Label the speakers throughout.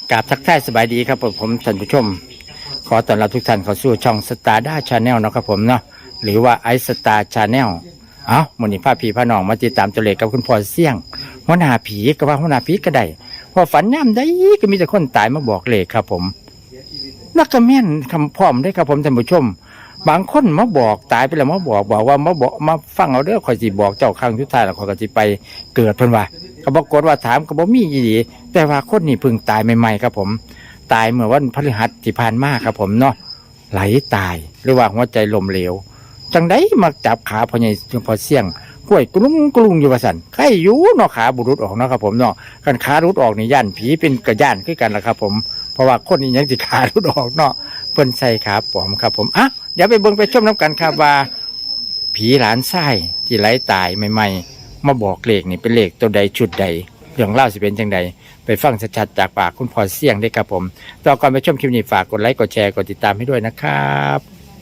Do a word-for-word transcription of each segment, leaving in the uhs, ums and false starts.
Speaker 1: กราบทักทายสบายดีครับผมท่านผู้ชมขอต้อนรับทุกท่านเข้าสู่ช่องสตาร์ด้าชาแนลนะครับผมเนาะหรือว่าไอสตาร์ชาแนลเอ้าวันนี้พาผีพาน้องมาติดตามตัวเลขกับคุณพ่อเสี่ยงหัวหน้าผีก็ว่าหัวหน้าผีก็ได้พอฝันย่ำได้ก็มีแต่คนตายมาบอกเลขครับผมนักกระแม่นคำพร้อมได้ครับผมท่านผู้ชมบางคนมาบอกตายไปแล้วมาบอกบอกว่ามาบอกมาฟังเอาเด้อคอยสิบอกเจ้าครั้งสุดท้ายแล้วคอยก็สิไปเกิดเพิ่นว่าก็บอกกฏว่าถามก็บ่มีอีหลีแต่ว่าคนนี้เพิ่งตายใหม่ๆครับผมตายเมื่อวันพฤหัสที่ผ่านมาครับผมเนาะไหลตายหรือว่าหัวใจล้มเหลวจังไดมาจับขาพ่อใหญ่พ่อเสี่ยงกล้วยกลุ้งกลุ้งอยู่ว่าซั่นใครอยู่เนาะขาบุรุษออกเนาะครับผมเนาะกันขารุดออกนี่ย่านผีเป็นกระย่านคือกันล่ะครับผมเพราะว่าคนนี้ยังสิขารุดออกเนาะเพิ่นใส่ขาปลอมครับผมอ่ะเดี๋ยวไปเบิ่งไปชมน้ำกันครับว่าผีหลานไส้ที่ไหลตายใหม่ๆมาบอกเลขนี่เป็นเลขตัวใดชุดใดเรื่องเล่าสิเป็นจังใดไปฟังชัดๆจากปากคุณพ่อเสี่ยงได้ครับผมต่อก่อนไปชมคลิปนี้ฝากกดไลค์กดแชร์กดติดตามให้ด้วยนะครับ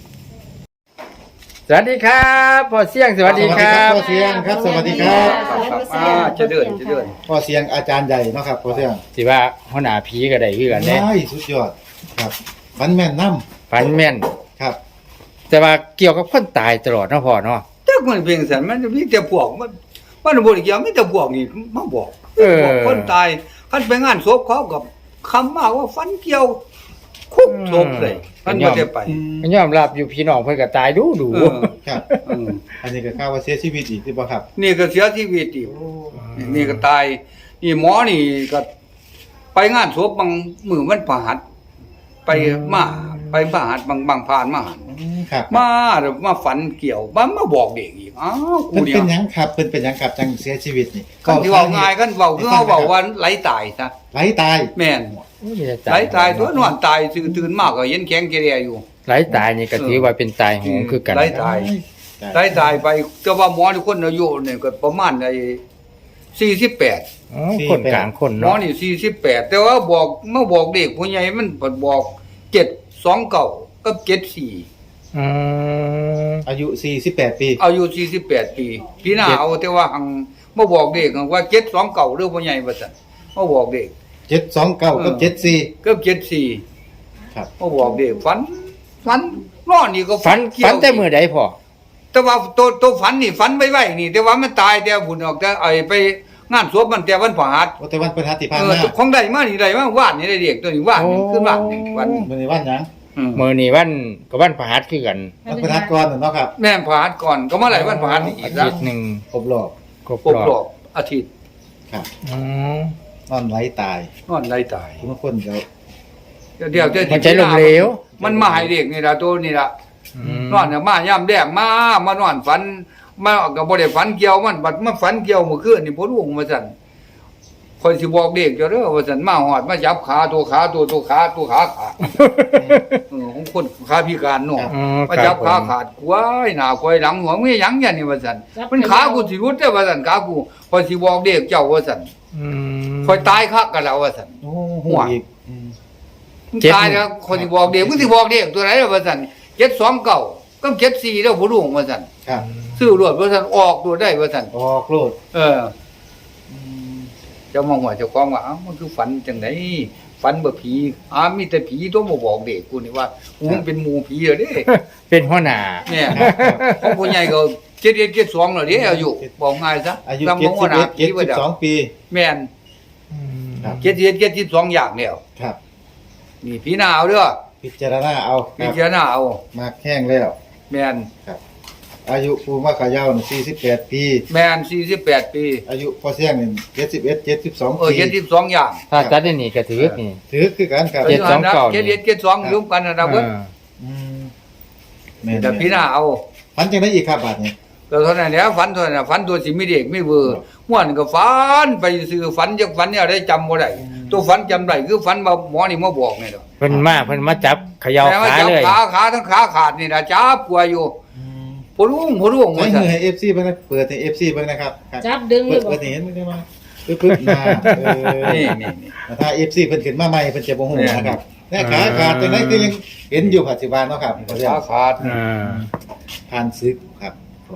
Speaker 1: สวัสดีครับพ่อเสี่ยงสวัสดีครับ
Speaker 2: พ่อเสียงครับสวัสดีครับ
Speaker 3: อ่าจะเดินจะเดิน
Speaker 2: พ่อเสียงอาจารย์ใหญ่เนาะครับพ่อเสียง
Speaker 1: สิว่าหัวหน้าผีก็ได้คือกันเด้
Speaker 2: ได้สุดยอดครับฟันแม่นน้
Speaker 1: ฝันแม่น
Speaker 2: ำครับ
Speaker 1: แต่ว่าเกี่ยวกับคนตายตลอดเนาะพ่อเนาะ
Speaker 3: ถ้ามันเพียงสันมันมีแต่พวกมันมันบ่ได้เกี่ยวมีแต่พวกนี่มาบอก
Speaker 1: เออ
Speaker 3: บอกคนตายคันไปงานศพเขากับคำมาว่าฟันเกี่ยวคุกศพเลยมันบ่ได้ไป
Speaker 1: มันยอมรับอยู่พี่น้องเพิ่นก็ตายดูดู
Speaker 3: เออ
Speaker 2: ครับ
Speaker 3: เออ
Speaker 2: อันนี้ก็ข่าวว่าเสียชีวิตอีกที่บ่ครับ
Speaker 3: นี่ก็เสียชีวิตอีกนี่ก็ตายนี่หมอนี่ก็ไปงานศพบางมื้อวันพฤหัสไปมาไปพฤหัสบางบางผ่านมาหัน
Speaker 2: ครับ
Speaker 3: มาเดี๋ยวมาฝันเกี่ยวมามาบอกเด็กอีกอ้าวกู
Speaker 2: เพิ่น
Speaker 3: เดีย
Speaker 2: เป็
Speaker 3: วน
Speaker 2: หยังครับเพิ่นเป็นหยังครับจังเสียชีวิตนี่
Speaker 3: กันที่เว่าง่ายกันเว้าคือเฮาเว้าว่าไหลตายซะ
Speaker 2: ไหลตาย
Speaker 3: แม่นไหลตายตัวนอนตายตื่นตื่นมากก็เห็นแข็งแกเรียอยู่
Speaker 1: ไหลตายนี่ก็ถือว่าเป็นตายโหงคือกัน
Speaker 3: ไหลตายไหลตายไปแต่ว่าหมอทุกคนอายุเนี่ยก็ประมาณไอ้สี่สิบแปด
Speaker 1: อ๋อคนกลางคน
Speaker 3: หมอ
Speaker 1: เนาะ
Speaker 3: นี่สี่สิบแปดแต่ว่าบอกเมื่อบอกเด็กผู้ใหญ่มันเพิ่นบอกเจ็ดสองเก้ากับเจ็ดสี่
Speaker 1: อืม
Speaker 2: อายุสี่สิบแปดปี
Speaker 3: อายุสี่สิบแปดปีพี่นาเอาแต่ว่าหังมาบอกเด็กว่าเจ็ดสองเก้าหรือผู้ใหญ่ว่าซั่นมาบอกเด็ก
Speaker 2: เจ็ดสองเก้ากับเจ็ดสี่
Speaker 3: เกือบเจ็ดสี่
Speaker 2: ครับ
Speaker 3: มาบอกเด็กฝันฝันนอนนี่ก็
Speaker 1: ฝัน
Speaker 3: เกี่ยว
Speaker 1: ฝันแต่มื้อใดพ่อ
Speaker 3: แต่ว่าตัวตัวฝันนี่ฝันไว้ไว้นี่ แต่ว่ามันตายแต่บุญออกแต่ไอ้ไปงานศพมันแต่วันพฤหัส
Speaker 2: โอแต่วันพฤหัสที่ผ่าน
Speaker 3: เออ
Speaker 2: มา
Speaker 3: ของใดมานี่ใดมาวาดนี่ได้เด็กตัวนี้วาดนี่ขึ้นวาดนี่วัน
Speaker 2: มื้อนี้วันหยัง
Speaker 3: อืม
Speaker 1: มื้อนี้วันก็วันพฤหัสคือกัน
Speaker 2: วันพฤหัสก่อนน่ะเนาะครับ
Speaker 3: แม่นพฤหัสก่อนก็มาไหลวันพฤหัสนี่อี
Speaker 1: อาก
Speaker 3: แล้
Speaker 1: ทิ
Speaker 3: ว
Speaker 1: ตย์หนึง
Speaker 2: ครบรอบ
Speaker 1: ครบ
Speaker 3: ครบ
Speaker 1: ร
Speaker 3: ร
Speaker 1: อ
Speaker 3: อ
Speaker 1: บบ
Speaker 3: อาทิตย์
Speaker 2: ครับ
Speaker 1: อืม
Speaker 2: นอนไหลตาย
Speaker 3: นอนไหลตาย
Speaker 2: ทุกคนเดี๋ยว
Speaker 3: เดี๋ยวเดี๋ยวเดี๋ยว
Speaker 1: มันใจลมเหลว
Speaker 3: มันมาให้เด็กนี่ล่ะตัวนี่ล่ะ
Speaker 1: ม
Speaker 3: นอนน่ะมาย่ำแดงมามานอนฝันมาก็บ่ได้ฝันเกี่ยวมันบัดมาฝันเกี่ยวเมื่อคืนนี่บ่รู้ว่าซั่นคอยสิบอกเด็กเจ้าเด้อว่าซั่นมาฮอดมาจับขาตัวขาตัวตัวขาตัวขาขาดเออของคนขาพิการเนาะ
Speaker 1: อืม
Speaker 3: มาจับขาขาดกล้วยหน้ากล้วยหลังหัวมีหยังอย่างนี้ว่าซั่นมันขากูสิรุดเด้อว่าซั่นขากูคอยสิบอกเด็กเจ้าว่าซั่น
Speaker 1: อืม
Speaker 3: คอยตายคักกันแล้วว่าซั่น
Speaker 2: โอ้โหอีกอืม
Speaker 3: มึงตายแล้วคอยสิบอกเด็กมึงสิบอกเด็กตัวไหนล่ะว่าซั่นเจ็ดสองเก้ากับเจ็ดสี่แล้วบ่รู้ว่าซั่น
Speaker 2: ครับ
Speaker 3: ซื้อรวดว่าซั่นออกตัวได้ว่าซั่น
Speaker 2: ออกโลด
Speaker 3: เออ
Speaker 2: อืม
Speaker 3: เจ้ามองว่าเจ้าของว่าอ้าวมันคือฝันจังไดฝันบ่ผีอ้ามีแต่ผีตัวมาบอกเด็กกูนี่ว่ากูมันเป็นหมู่ผีเหรอเด้
Speaker 1: เป็นหัวหน้า
Speaker 3: เนี่ยของผู้ใหญ่ก็เจ็ดเอ็ดเจ็ดสองแล้วเด้อายุบอกง่ายซะ
Speaker 2: อายุ
Speaker 3: ลำ
Speaker 2: เจ็ด
Speaker 3: บ
Speaker 2: สิบ
Speaker 3: ว่าห
Speaker 2: เอ็
Speaker 3: น้า
Speaker 2: ด
Speaker 3: ผี
Speaker 2: เจ็ด
Speaker 3: ว่า
Speaker 2: สิบ
Speaker 3: เด้
Speaker 2: สองปี
Speaker 3: แม่น
Speaker 1: อืม
Speaker 2: ครับ
Speaker 3: เจ็ดเอ็ดเจ็ดสิบสองอย่างแล้ว
Speaker 2: ครับ
Speaker 3: นี่ผีหน้าเอาเด้อ
Speaker 2: พิจารณาเอาค
Speaker 3: พิ
Speaker 2: รับ
Speaker 3: จารณาเอา
Speaker 2: มากแห้งแล้ว
Speaker 3: แม่น
Speaker 2: ครับ อายุภูมิขายาวสี่สิบแปดปี
Speaker 3: แม่นสี่สิบแปดปี
Speaker 2: อายุพอเสี่ยงนี่เจ็ดสิบเอ็ดเจ็ดสิบสอง
Speaker 3: เออ
Speaker 2: ปี
Speaker 3: เจ็ดสิบสองอย่าง
Speaker 1: ถ้าจัดได้นี่ก็ถือนี่
Speaker 2: ถือคือกันครับ
Speaker 1: เจ็ดสองเก้า
Speaker 3: เจ็ดเอ็ดเจ็ดสองรวมกันนะเบิด
Speaker 1: อ่า
Speaker 2: อืมแม่น
Speaker 3: แต่ผีหน้าเอา
Speaker 2: พันจังได้อีกครับบาทนี้
Speaker 3: ก็เท่านั้นแหละฝันเท่านั้นน่ะฝันตัวสิมีเด็กมีเวอร์ม่วนก็ฝันไปซื้อฝันจักฝันเนี่ยได้จำบ่ได้ตัวฝันจำได้คือฝันว่าหมอนี่มาบอกนี่ดอก
Speaker 1: เพิ่นมาเพิ่นมาจับเขย่า
Speaker 3: แต่ว่า
Speaker 1: ขา
Speaker 3: จับ
Speaker 1: เลย
Speaker 3: ขาขาทั้งขาขาดนี่นะจับปัวอยู่
Speaker 2: อืม
Speaker 3: ผู้ลุงผู้ลุง
Speaker 2: ใช้
Speaker 3: ว่า
Speaker 2: มื
Speaker 3: ซั่น
Speaker 2: อให้ เอฟ ซี เบิ่งนะเปิดให้ เอฟ ซี เบิ่งนะครับครับ
Speaker 4: จับดึงเล
Speaker 2: เปิ
Speaker 4: ย
Speaker 2: ด
Speaker 4: บอ
Speaker 2: เปิ
Speaker 4: ก
Speaker 2: ดให้เห็นมั้ยได้มาปึ๊บปึ๊บมาเออ
Speaker 3: นี่นี่นี่
Speaker 2: ถ้า เอฟ ซี เพิ่นขึ้นมาใหม่เพิ่นจะบ่ฮู้นะครับแน่ขาขาดจังได๋คือยังเห็นอยู่ปัจจุบันเนาะครับพอเสี่ยง
Speaker 3: ขาขาด
Speaker 1: อ่า
Speaker 2: ผ่านซึกครับพ่อ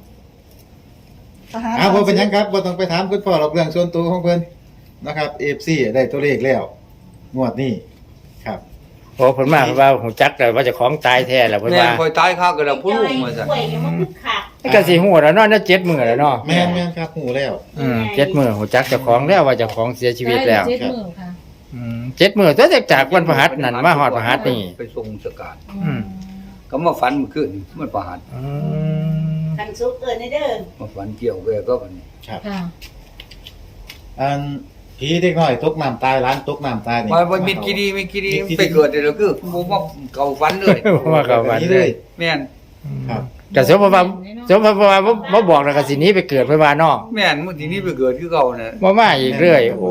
Speaker 2: อ้าวบ่เป็นหยังครับบ่ต้องไปถามคุณพ่อหรอกเรื่องส่วนตัวของเพิ่นนะครับ เอฟ ซี ได้ตัวเลขแล้วงวดนี้ครับ
Speaker 1: โอ้เพิ่นมาเพิ่นว่าหูจักแล้วว่าเจะของตายแท้แล้วเพิ่น
Speaker 3: แม่
Speaker 1: ว่า
Speaker 3: คอยตายข้าก็แล้วผู้ลูกมาซั่น
Speaker 4: ป่วยยังบ่คือขาด
Speaker 1: ก็สิฮู้แล้วเนาะน่าเจ็ดมื้อแล้วเนาะ
Speaker 2: แม่นแม่นครับหูแล้ว
Speaker 1: อืมเจ็ดมื้อหูจักเจ้าของแล้วว่าเจ้าของเสียชีวิตแล้ว
Speaker 5: เจ็ดหมื่นค่ะ
Speaker 1: อืมเจ็ดมื้อตัวจากวันพฤหัสนั่นมาฮอดพฤหัสนี่
Speaker 3: ไปส่งสการ
Speaker 1: อืม
Speaker 3: ก็มาฝันเมื่อคืนมันประหัส
Speaker 1: อืม
Speaker 4: คันสุกเอิ้นเด้อ
Speaker 3: มาฝันเกี่ยวแกก็บัดนี้
Speaker 2: ครับ
Speaker 5: ค่ะ
Speaker 2: อันผีเด็กน้อยตกน้ำตายร้านตกน้ำตายนี่
Speaker 3: มามันมีกีดีมีกีดีไปเกิดเดี๋ยวคือบ่มาเก่าฝันเลย
Speaker 1: ว่าเขาวัน
Speaker 2: นี้
Speaker 1: เล
Speaker 2: เลย ย
Speaker 3: แม่น
Speaker 2: ครับ
Speaker 1: ก็สมมติว่าสมมติว่าบ่บ่บอกแล้วก็สิหนี้ไปเกิดเพิ่นว่าเนาะ
Speaker 3: แม่นมื้อที่นี้ไปเกิดคือเก่าน่ะ
Speaker 1: บ่มาอีกเรื่อยโอ้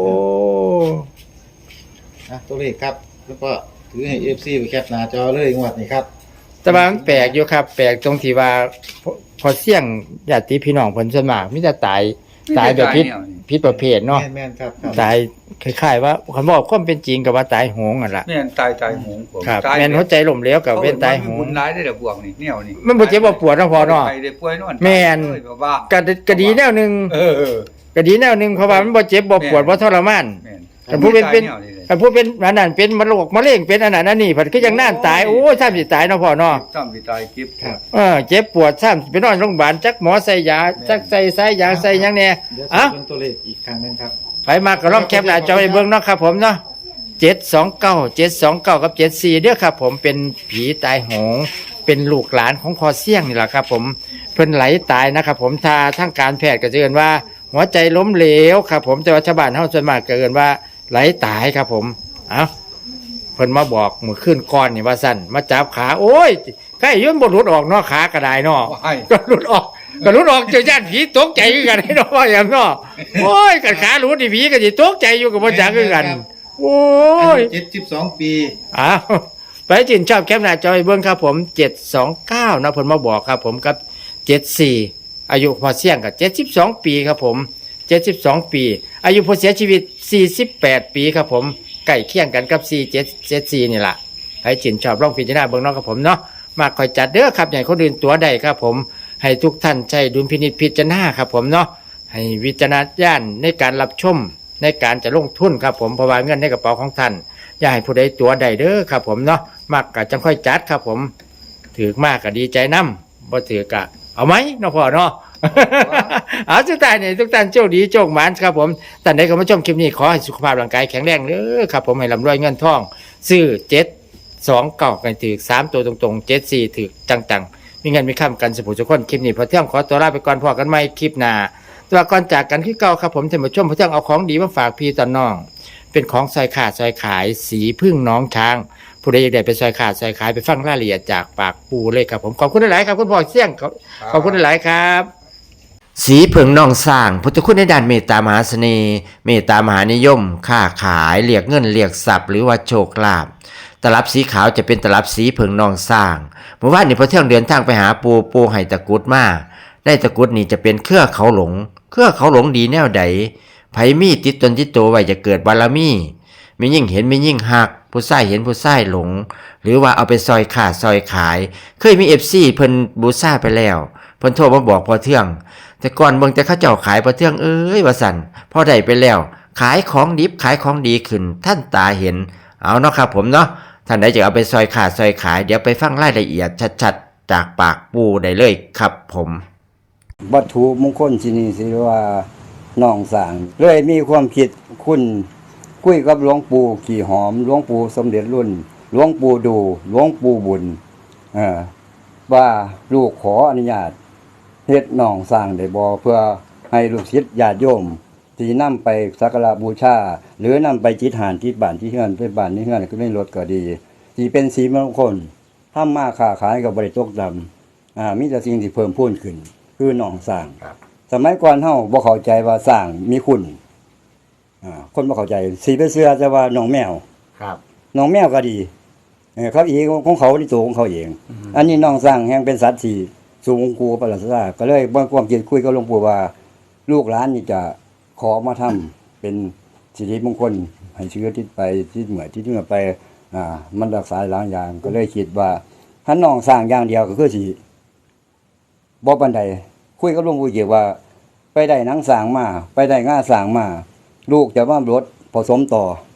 Speaker 2: อ่ะตัวเลขครับแล้วก็ถือให้ เอฟ ซี ไปแคปหน้าจอเลยงวดนี้ครับ
Speaker 1: แต่ว่ามันแปลกอยู่ครับ แปลกตรงที่ว่าพอพอเสี่ยงญาติพี่น้องเพิ่นส่วนมากมีแต่ตายตายแบบผิดผิดประเภทเนาะ
Speaker 2: แม่นแม่นครับครับ
Speaker 1: ตายคล้ายๆว่าคันบอกความเป็นจริงก็ว่าตายโหงนั่นล่ะ
Speaker 3: แม่นตายตายโหงผม
Speaker 1: ครับ
Speaker 3: ตาย
Speaker 1: แม่นหัวใจล้มเหลวก็เป็นตายโห
Speaker 3: บุ
Speaker 1: ง
Speaker 3: ญหลายได้แต่พวกนี่แนวนี่
Speaker 1: มันบ่เจ็บบ่ปวดเนาะพอเนาะ
Speaker 3: ไปได้ป่วยนอน
Speaker 1: แม่น
Speaker 3: เอ้ยแบบว่า
Speaker 1: ก็ก็ดีแนวหนึง
Speaker 3: เออเออ
Speaker 1: ก็ดีแนวหนึงเพราะว่ามันบ่เจ็บบ่ปวดบ่ทรมาน
Speaker 3: แม่น
Speaker 1: แต่ผู้เป็นเป็น
Speaker 3: ตายแวเลย
Speaker 1: แต่ผู้เป็นอันนั้นเป็นมะโรคมะเร็งเป็นอันนั้นอันนี้เพิ่นคือยังน่านตายโอ้ยซ้ำสิตายเนาะพ่อเนาะ
Speaker 3: ซ้ำสิตายเก็บ
Speaker 2: ครับ
Speaker 1: เออเจ็บปวดซ้ำไปนอนโรงพยาบาลจักหมอใส่ยาจักใส่สายยางใส่หยังแน่
Speaker 2: เดี๋ยว
Speaker 1: อ่ะ
Speaker 2: เบิ่งตัวเลขอีกครั้งหนึงครับ
Speaker 1: ไปมาก็ลองแคปหน้าจอให้เบิ่งเนาะครับผมเนาะเจ็ดสองเก้า เจ็ดสองเก้ากับเจ็ดสี่เด้อครับผมเป็นผีตายโหงเป็นลูกหลานของพอเสี่ยงนี่แหละครับผมเพิ่นไหลตายนะครับผมทาทางการแพทย์ก็จะเอิ้นว่า หัวใจล้มเหลวครับผมแต่ว่าชาวบ้านเฮาส่วนมากก็เอิ้นว่าไหลตายครับผมเอ้าเพิ่นมาบอกมื้อคืนก่อนนี่ว่าซั่นมาจับขาโอ้ยใกล้ย่นบ่หลุดออกเนาะขาก็ได้เนาะ
Speaker 3: ให้
Speaker 1: ก็หลุดออกก็หลุดออกเจอญาติผีตกใจคือกันให้เนาะว่าอย่างเนาะโอ้ยกันขาหลุดนี่ผีก็สิตกใจอยู่กับบ่จักคือกัน โอ้ย
Speaker 2: เจ็ดสิบสองปี
Speaker 1: อ้าวไปจินชอบแคปหน้าจอให้เบิ่งครับผมเจ็ดสองเก้านะเพิ่นมาบอกครับผมกับเจ็ดสี่อายุพอเสี่ยงกับเจ็ดสิบสองปีครับผมเจ็ดสิบสองปี อายุผู้เสียชีวิตสี่สิบแปดปีครับผมใกล้เคียงกันกับสี่เจ็ดเจ็ดสี่นี่ล่ะไปจินชอบลองพิจารณาเบิ่งเนาะครับผมเนาะมาคอยจัดเด้อครับอย่างคนอื่นตัวใดครับผมให้ทุกท่านใช้ดุลพินิจพิจารณาครับผมเนาะให้วิจารณญาณในการรับชมในการจะลงทุนครับผมเพราะว่าเงินในกระเป๋าของท่านอย่าให้ผู้ใดตัวใดเด้อครับผมเนาะมากกะจังค่อยจัดครับผมถือมากก็ดีใจนำบ่ถือกะเอาไหมเนาะพ่อเนาะ เอาสุดท้ายนี่ทุกท่านโชคดีโชคหมานครับผมท่านใดเข้ามาชมคลิปนี้ขอให้สุขภาพร่างกายแข็งแรงเด้อครับผมให้ร่ำรวยเงินทองซื้อเจ็ดสองเก้ากันถือสามตัวตรงๆเจ็ดสี่ถือจังๆมีเงินมีค่ำกันสุขทุกคนคลิปนี้พอเที่ยงขอตัวลาไปก่อนพอกันใหม่คลิปหน้าแตัวาก่อนจากกันคือเก่าครับผมท่านผู้ชมพอเที่ยงเอาของดีมาฝากพี่ตอนน้อง เป็นของซอยขาดซอยขายสีพึ่งน้องช้าง ผู้ใดอยากได้ไปซอยขาดซอยขายไปฟังรายละเอียดจากปากปูเลยครับผมขอบคุณหลายๆครับคุณพ่อเสี่ยงขอบขอบคุณหลายๆครับ สีเผิงนองสร้างพุทธคุณในด้านเมตตามหาเสน่ห์เมตตามหานิยม ค้าขายเรียกเงินเรียกทรัพย์หรือว่าโชคลาภตลับสีขาวจะเป็นตลับสีเผิงนองสร้างเมื่อวานนี้พอเที่ยงเดินทางไปหาปูปูไห้ตะกรุดมาได้ตะกรุดนี่จะเป็นเครือเขาหลง เครือเขาหลงดีแนวใดไผมีติดตนติดตัวไว้จะเกิดบารมีมียิ่งเห็นมียิ่งหักผู้ใส่เห็นผู้ใส่หลง หรือว่าเอาไปซอยขาดซอยขาย เคยมีเอฟซีเพิ่นบูซ่าไปแล้วเพิ่นโทรมาบอกพอเที่ยงแต่ก่อนเบิ่งแต่เขาเจ้าขายพอเที่ยงเอ้ยว่าสั่นพอได้ไปแล้ว ขายของดิบขายของดีขึ้นท่านตาเห็นเอาเนาะครับผมเนาะท่านใดจะเอาไปซอยขาดซอยขายเดี๋ยวไปฟังรายละเอียดชัดๆจากปากปูได้เลยครับผม
Speaker 6: วัตถุมงคลที่นี่สิว่าน้องสร้างเลยมีความคิดคุณคุยกับหลวงปู่ขี่หอมหลวงปู่สมเด็จรุ่นหลวงปู่ดูหลวงปู่บุญเอ่อว่าลูกขออนุญาตเฮ็ดน้องสร้างได้บ่เพื่อให้ลูกศิษย์ญาติโยมที่นำไปสักการะบูชาหรือนำไปจิตหานที่บ้านที่เฮือนไปบ้านที่เฮือนก็ไม่ลดก็ดีที่เป็นสีมงคลทำมาค้าขายก็บ่ได้ตกดำอ่ามีแต่สิ่งที่เพิ่มพูนขึ้นคือน้องสร้างสมัยก่อนเฮาบ่เข้าใจว่าสร้างมีคุณอ่าคนบ่เข้าใจสิไปเชื่อแต่ว่าน้องแมว
Speaker 1: ครับ
Speaker 6: น้องแมวก็ดีเออเขาเองของเขาที่ตัวของเขาเอง อันนี้น้องสร้างแห่งเป็นสัตว์ที่สูงกูประหลาดซาก็เลยบ่ความคิดคุยกับหลวงปู่ว่าลูกหลานนี่จะขอมาทำเป็นสิริมงคลให้เชื้อที่ไปที่เหมือนที่เมื่อไปอ่ามันรักษาหลายอย่างก็เลยคิดว่าถ้าน้องสร้างอย่างเดียวก็คือสิบ่ปานใดคุยกับหลวงปู่เกี่ยวว่า ไปได้หนังสร้างมาไปได้ง่าสร้างมา ลูกจะว่ารถผสมต่อ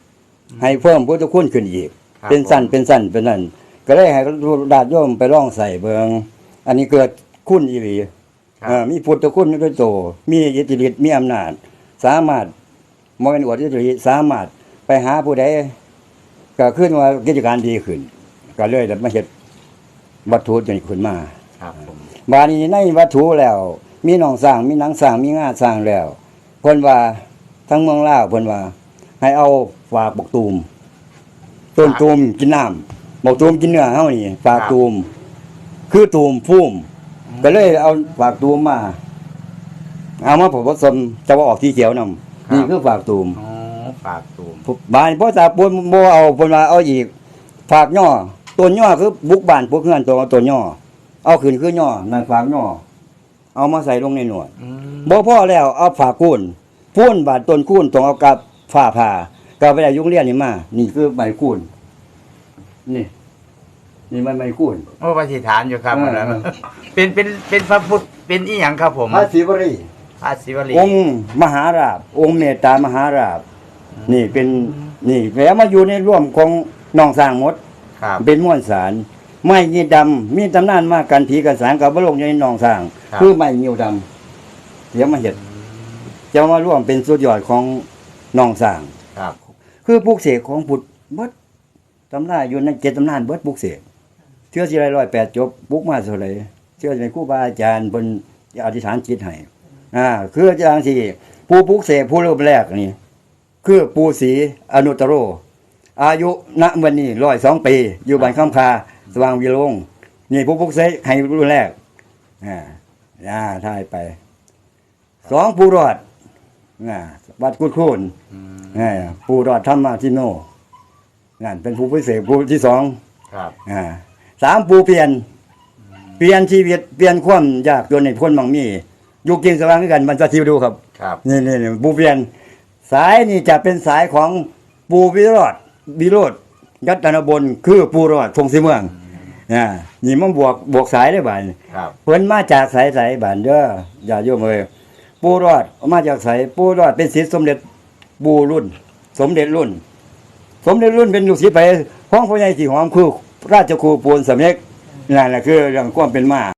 Speaker 6: ให้เพิ่มพุทธคุณขึ้นอีก
Speaker 1: ครับ
Speaker 6: เป็นสั้นเป็นสั้นเป็นนั่นก็เลยให้ญาติโยมไปลองใส่เบิงอันนี้เกิดคุณอีหลี
Speaker 1: ครับ
Speaker 6: เอ่อมีพุทธคุณอยู่ด้วยโตมีอิทธิฤทธิ์มีอำนาจ สามารถบ่แม่นอวดอิทธิฤทธิ์สามารถไปหาผู้ใดก็ขึ้นว่ากิจการดีขึ้น ก็เลยได้มาเฮ็ดวัตถุจนขึ้นมา
Speaker 1: ครับผม
Speaker 6: บาดนี้ในวัตถุแล้ว มีหนองสร้างมีหนังสร้างมีงาสร้างแล้วเพิ่นว่าทั้งเมืองลาวเพิ่นว่า ให้เอาฝากบักตูมต้นตูมกินน้ำบักตูมกินเนื้อเฮานี่ฝากตูมคือตูมพุ่มก็เลยเอาฝากตูมมาเอามาผสมจะว่าออกสีเขียวนํนี่คือฝากตูม
Speaker 1: อ๋อฝากตูม
Speaker 6: บานพ่อตาปูนบ่เอาเพิ่นว่าเอาอีกฝากย่อต้นย่อคือบุกบ้านพวกเฮือนตัวต้นย่อเอาขึ้นคือย่อนั่นฝากย่อเอามาใส่ลงในหนวด
Speaker 1: อืม
Speaker 6: บ่พอแล้วเอาฝากคูนพูนบาดต้นคูนต้องเอากับฝ้าผ่าก็ไปได้ยุงเรียนนี่มา นี่คือใบคูนนี่ นี่มันใบคูน
Speaker 1: โอ้ปฏิฐานอยู่ครับ
Speaker 6: เออ
Speaker 1: แล้วเป็นเป็นเป็นพระพุทธเป็นอีหยังครับผม
Speaker 6: พระศิวรี
Speaker 1: พระศิวลี
Speaker 6: องค์มหาราชองค์เมตตามหาราชนี่เป็นนี่แล้วมาอยู่ในร่วมของน้องสร้างหมด
Speaker 1: ครับ
Speaker 6: เป็นม้วนสารไม้ยีดำมีตำนานมากกันผีกันสารกับบลงอยู่ในหนองสร้าง
Speaker 1: ครับ
Speaker 6: คือไม้ยิวดำเดี๋ยวมาเห็ดจะมาร่วมเป็นสุดยอดของหนองสร้าง
Speaker 1: ครับ
Speaker 6: คือปลูกเสกของพุทธเบิดตำราอยู่ในเจ็ดตำนานเบิดปลูกเสกเชื่อสิไรร้อยแปดจบปลูกมาเท่าไหร่เชื่อในครูบาอาจารย์เพิ่นอธิษฐานจิตให้อ่าคืออย่างที่ผู้ปลูกเสกผู้รูปแรกนี่คือปู่ศรีอนุตตโร อายุณวันนี้ร้อยสองปี อยู่บ้านคำคาสว่างวิโรงนี่ผู้พุกเสกให้รุ่นแรกอ่าอ่าถ่ายไปสองผู้รอดอ่าวัดกุดคูนอ่าผู้รอดธรรมาทิโนนั่นเป็นผู้พิเศษผู้ที่สอง
Speaker 1: ครับ
Speaker 6: อ่าสามผู้เปลี่ยน เปลี่ยนชีวิตเปลี่ยนความยากจนในพ้นบางมีอยู่กินสว่างด้วยกันมันจะทิวดูครับ
Speaker 1: ครับ
Speaker 6: นี่นี่นี่ปูเพียนสายนี่จะเป็นสายของปูวิโรธวิโรธยัตนบลคือปูรอดทงสีเมืองอ่านี่มันบวกบวกสายได้บ่าน
Speaker 1: ครับ
Speaker 6: เพิ่นมาจากสายสายบ้านเด้ออย่าโยมเอ้ยปูรอดมาจากสายปูรอดเป็นศิษย์สมเด็จปูรุ่น สมเด็จรุ่น สมเด็จรุ่นเป็นลูกศิษย์ไปห้องพ่อใหญ่สีหอมคือราชครูปูนสำเร็จนั่นแหละคือเรื่องความเป็นมา